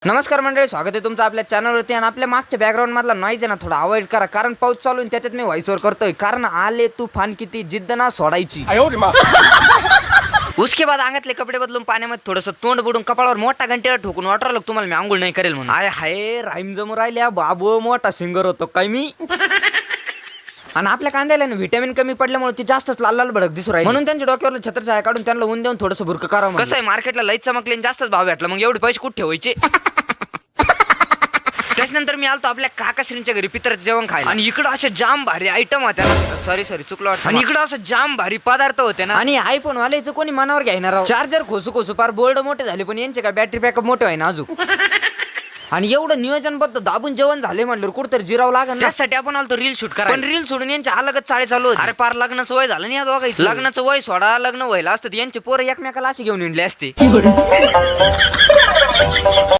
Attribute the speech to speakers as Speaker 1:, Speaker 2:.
Speaker 1: नमस्कार मंडळी, स्वागत आहे तुमचं आपल्या चॅनलवरती. आणि आपल्या मागच्या बॅकग्राऊंड मधला नॉईज आहे ना थोडा अवॉइड करा, कारण पाऊस चालू आहे त्याच्यात मी व्हॉइस ओव्हर करतोय. कारण आले तुफान किती जिद्द ना सोडायची. उसके बाद अंगातले कपडे बदलून पाण्यामध्ये थोडंसं तोंड बुडून कपाळावर मोठा घंटेला ठोकून वाटलं तुम्हाला मी आंघोळ नाही करेल म्हणून. आय हाय, राईम जमू राहिल्या बाबू, मोठा सिंगर होतो काय मी. आणि आपल्या कांद्याला व्हिटॅमिन कमी पडल्यामुळे ती जास्तच लाल लाल भडक दिसू राहील, म्हणून त्यांच्या डोक्यावर छत्रछाया काढून त्यांना ऊन देऊन थोडंसं बुरकं करावं. कसं आहे, मार्केटला लईच चमकले आणि जास्तच भाव भेटला, मग एवढे पैसे कुठे ठेवायचे. त्याच्यानंतर मी आलतो आपल्या काकाश्रींच्या घरी पितर जेवण खायला, आणि इकडं असे जाम भारी आयटम होत्या ना. सॉरी चुकलो वाटतं. आणि इकडं असं जाम भारी पदार्थ होते ना. आणि आयफोन वाल्याचं कोणी मनावर घेणार. चार्जर खोसू खोसू पार बोर्ड मोठे झाले, पण यांचे काय बॅटरी बॅकअप मोठे आहे ना अजून. आणि एवढं नियोजनबद्ध दाबून जेवण झाले म्हणलं कुठतरी जिरावं लागेल. त्यासाठी आपण आलतो रील शूट करा, पण रील सोडून यांच्या अलगच चाळे चालू होते. अरे पार लग्नाचं वय झालं नाही या दोघांचं. लग्नाचं वय सोडा, लग्न व्हायला असतं यांचे पोरं एकमेकाला अशी घेऊन हिंडले असते.